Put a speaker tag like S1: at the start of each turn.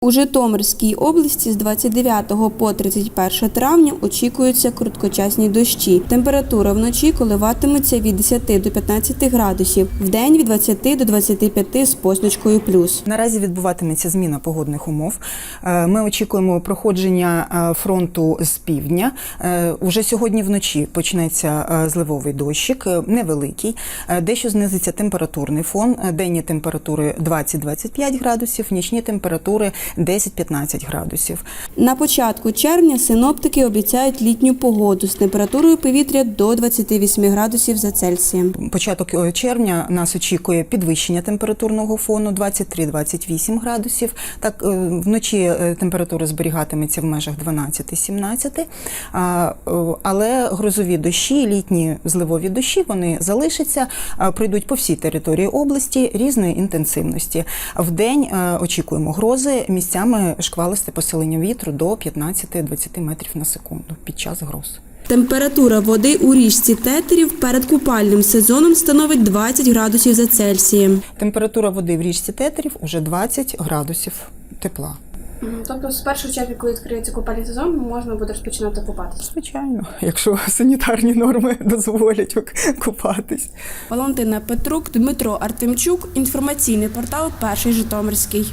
S1: У Житомирській області з 29 по 31 травня очікуються короткочасні дощі. Температура вночі коливатиметься від 10 до 15 градусів, вдень від 20 до 25 з позначкою плюс.
S2: Наразі відбуватиметься зміна погодних умов. Ми очікуємо проходження фронту з півдня. Уже сьогодні вночі почнеться зливовий дощик, невеликий. Дещо знизиться температурний фон. Денні температури 20-25 градусів, нічні температури 10-15 градусів.
S1: На початку червня синоптики обіцяють літню погоду з температурою повітря до 28 градусів за Цельсієм.
S2: Початок червня нас очікує підвищення температурного фону 23-28 градусів. Так, вночі температура зберігатиметься в межах 12-17, але грозові дощі, літні зливові дощі, вони залишаться, пройдуть по всій території області різної інтенсивності. Вдень очікуємо грози, місцями шквалисте посилення вітру до 15-20 метрів на секунду під час гроз.
S1: Температура води у річці Тетерів перед купальним сезоном становить 20 градусів за Цельсієм.
S2: Температура води в річці Тетерів уже 20 градусів тепла.
S3: Тобто з 1 червня, коли відкриється купальний сезон, можна буде розпочинати купатися?
S2: Звичайно, якщо санітарні норми дозволять купатись.
S1: Валентина Петрук, Дмитро Артемчук. Інформаційний портал «Перший Житомирський».